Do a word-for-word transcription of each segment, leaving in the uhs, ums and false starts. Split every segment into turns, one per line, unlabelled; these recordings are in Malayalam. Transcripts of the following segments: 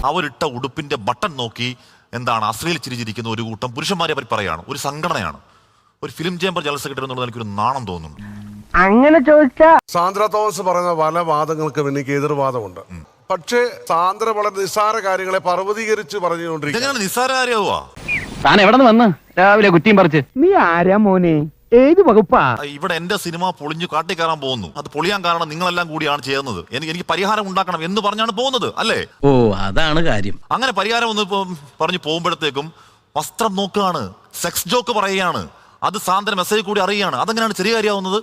അവരിട്ട ഉടുപ്പിന്റെ ബട്ടൺ നോക്കി എന്താണ് അശ്ലീൽ ചിരിച്ചിരിക്കുന്ന ഒരു കൂട്ടം പുരുഷന്മാരെ പറ്റി പറയാണ്. ഒരു സംഘടനയാണ്, ഒരു ഫിലിം ചേംബർ ജനറൽ സെക്രട്ടറി എന്നുള്ളത് എനിക്കൊരു നാണം തോന്നുന്നു.
അങ്ങനെ ചോദിച്ചാ
സാന്ദ്ര തോമസ് പറയുന്ന പല വാദങ്ങൾക്കും എനിക്ക് എതിർവാദമുണ്ട്. പക്ഷേ സാന്ദ്ര വളരെ നിസ്സാര കാര്യങ്ങളെ പർവ്വതീകരിച്ച് പറഞ്ഞുകൊണ്ടിരിക്കും.
നിസ്സാര കാര്യമാ.
താൻ എവിടെ നിന്ന് വന്ന് രാവിലെ കുറ്റിയും പറിച്ച്?
നീ ആരാ മോനെ, ഏത് വകുപ്പാ?
ഇവിടെ എന്റെ സിനിമ പൊളിഞ്ഞു കാട്ടിക്കയറാൻ പോകുന്നു. അത് പൊളിയാൻ കാരണം നിങ്ങളെല്ലാം കൂടിയാണ് ചെയ്യുന്നത്. എനിക്ക് എനിക്ക് പരിഹാരം ഉണ്ടാക്കണം എന്ന് പറഞ്ഞാണ് പോകുന്നത്, അല്ലേ?
ഓ, അതാണ് കാര്യം.
അങ്ങനെ പരിഹാരം ഒന്ന് പറഞ്ഞു പോകുമ്പോഴത്തേക്കും വസ്ത്രം നോക്കുകയാണ്, സെക്സ് ജോക്ക് പറയുകയാണ്. അത് സാന്ദ്ര മെസ്സേജ് കൂടി അറിയുകയാണ്. അതെങ്ങനെയാണ് ചെറിയ കാര്യമാവുന്നത്?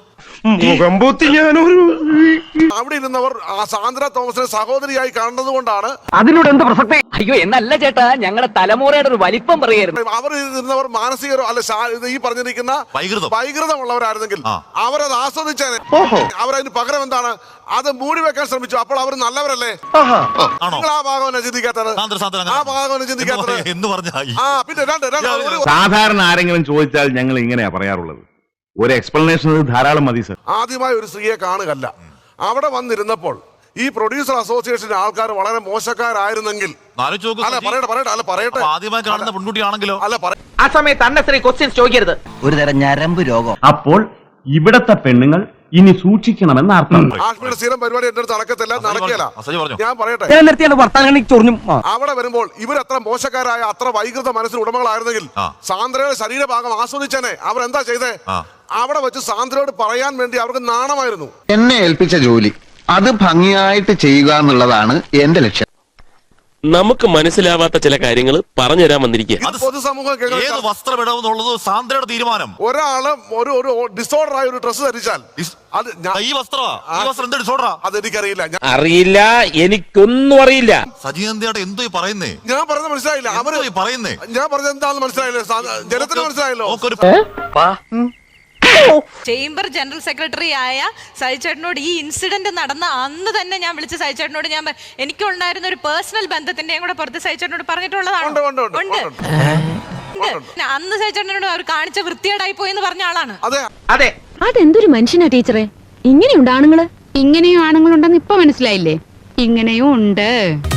അവിടെ ഇരുന്നവർ ആ സാന്ദ്ര തോമസിനെ സഹോദരിയായി കാണുന്നത് കൊണ്ടാണ്.
അതിലൂടെ എന്ത് പ്രസക്തി?
അയ്യോ, എന്നല്ല ചേട്ടാ, ഞങ്ങളുടെ തലമുറയുടെ ഒരു വലിപ്പം പറയായിരുന്നു.
അവർ ഇരുന്നവർ മാനസിക അല്ല ഈ പറഞ്ഞിരിക്കുന്ന വൈകൃതമുള്ളവരായിരുന്നെങ്കിൽ അവരത് ആസ്വദിച്ചേനെ. അവരതിന് പകരം എന്താണ് അത് മൂടി വെക്കാൻ ശ്രമിച്ചു. അപ്പോൾ അവർ നല്ലവരല്ലേ? നിങ്ങൾ ആ ഭാഗം ചിന്തിക്കാത്തത്, ആ ഭാഗം ചിന്തിക്കാത്തത്
എന്ന് പറഞ്ഞാൽ
പിന്നെ
സാധാരണ ആരെങ്കിലും ചോദിച്ചാൽ ഞങ്ങൾ ഇങ്ങനെയാ പറയാറുള്ളത്. ഒരു എക്സ്പ്ലനേഷൻ ധാരാളം മതി സർ.
ആദ്യമായി ഒരു സ്ത്രീയെ കാണുകയല്ല, അവിടെ വന്നിരുന്നപ്പോൾ ഈ പ്രൊഡ്യൂസർ അസോസിയേഷന്റെ ആൾക്കാർ വളരെ മോശക്കാരായിരുന്നെങ്കിൽ അല്ല പറയട്ടെ പറയട്ടെ അല്ല പറയട്ടെ
ആദ്യമായി കാണുന്ന പെൺകുട്ടിയാണെങ്കിലോ
അല്ല
ആ സമയത്ത് അന്നശ്രീ ക്വസ്റ്റ്യൻസ് ചോദിക്കരുത്.
ഒരു തരം ഞരമ്പ് രോഗം.
അപ്പോൾ ഇവിടത്തെ പെണ്ണുങ്ങൾ ഇനി സൂക്ഷിക്കണമെന്ന് അർത്ഥം.
ആഷ്മിയുടെ സ്ഥിരം പരിപാടി എന്റെ അടുത്ത് നടക്കത്തില്ല, നടക്കില്ല. ഞാൻ പറയട്ടെ, അവിടെ വരുമ്പോൾ ഇവരത്ര മോശക്കാരായ അത്ര വൈകൃത മനസ്സിന് ഉടമകളായിരുന്നെങ്കിൽ സാന്ദ്രയുടെ ശരീരഭാഗം ആസ്വദിച്ചേനെ. അവരെന്താ ചെയ്തേ? അവിടെ വെച്ച് സാന്ദ്രയോട് പറയാൻ വേണ്ടി അവർക്ക് നാണമായിരുന്നു.
എന്നെ ഏൽപ്പിച്ച ജോലി അത് ഭംഗിയായിട്ട് ചെയ്യുക എന്നുള്ളതാണ് എന്റെ ലക്ഷ്യം.
നമുക്ക് മനസ്സിലാവാത്ത ചില കാര്യങ്ങൾ പറഞ്ഞു തരാൻ വന്നിരിക്കുക.
പൊതുസമൂഹം
വസ്ത്രമിടവെന്നുള്ളത് സാന്ദ്രയുടെ തീരുമാനം.
ഒരാള് ഒരു ഒരു ഡിസോർഡർ ആയ ഒരു ഡ്രസ് ധരിച്ചാൽ അത്
ഈ വസ്ത്രം ഡിസോർഡറാ
അതെനിക്കറിയില്ല.
അറിയില്ല, എനിക്കൊന്നും അറിയില്ല.
സജീവന്തയുടെ എന്തോ പറയുന്നേ?
ഞാൻ പറഞ്ഞത് മനസ്സിലായില്ല. അവര്
പറയുന്നേ
ഞാൻ പറഞ്ഞത് എന്താണെന്ന് മനസ്സിലായില്ലേ? ജനത്തിന് മനസ്സിലായല്ലോ.
ചേംബർ ജനറൽ സെക്രട്ടറി ആയ സജിചേട്ടനോട് ഈ ഇൻസിഡന്റ് നടന്ന അന്ന് തന്നെ ഞാൻ വിളിച്ച സജിചേട്ടനോട് ഞാൻ എനിക്കുണ്ടായിരുന്ന ഒരു പേഴ്സണൽ ബന്ധത്തിന്റെയും കൂടെ പുറത്ത് സജിചേട്ടനോട് പറഞ്ഞിട്ടുള്ളതാണ്. അന്ന് സജിചേട്ടനോട് അവർ കാണിച്ച വൃത്തികേടായി പോയി എന്ന് പറഞ്ഞ ആളാണ്.
അതെ,
അതെന്തൊരു മനുഷ്യനാ ടീച്ചറെ. ഇങ്ങനെയുണ്ട് ആണുങ്ങള്.
ഇങ്ങനെയും ആണുങ്ങളുണ്ടെന്ന് ഇപ്പൊ മനസ്സിലായില്ലേ? ഇങ്ങനെയും ഉണ്ട്.